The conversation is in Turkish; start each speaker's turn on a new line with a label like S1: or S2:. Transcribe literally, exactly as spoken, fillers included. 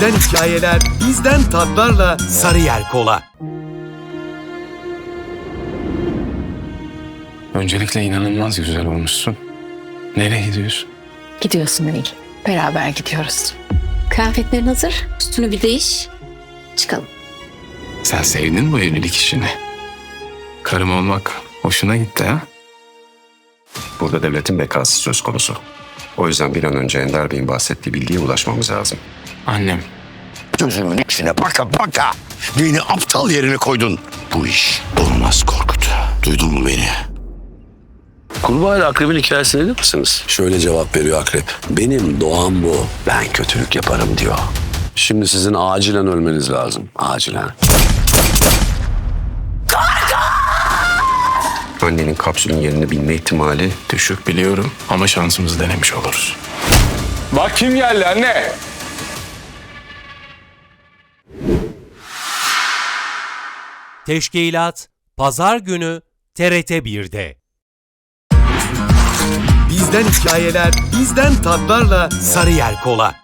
S1: Bizden hikayeler, bizden tatlarla Sarıyer Kola.
S2: Öncelikle inanılmaz güzel olmuşsun. Nereye gidiyorsun?
S3: Gidiyorsun Nil. Beraber gidiyoruz. Kıyafetlerin hazır. Üstünü bir değiş. Çıkalım.
S2: Sen sevdin bu evlilik işini. Karım olmak hoşuna gitti ha?
S4: Burada devletin bekası söz konusu. O yüzden bir an önce Ender Bey'in bahsettiği bilgiye ulaşmamız lazım.
S2: Annem.
S5: Gözümün içine baka baka beni aptal yerine koydun. Bu iş olmaz Korkut. Duydun mu beni?
S6: Kurbağa ile akrebin hikayesini bilir misiniz?
S5: Şöyle cevap veriyor akrep. Benim doğam bu. Ben kötülük yaparım diyor. Şimdi sizin acilen ölmeniz lazım. Acilen.
S4: Annenin kapsülün yerini bilme ihtimali
S2: Düşük biliyorum ama şansımızı denemiş oluruz. Bak kim geldi anne?
S1: Teşkilat Pazar günü T R T bir'de. Bizden hikayeler, bizden tatlarla Sarıyer Kola.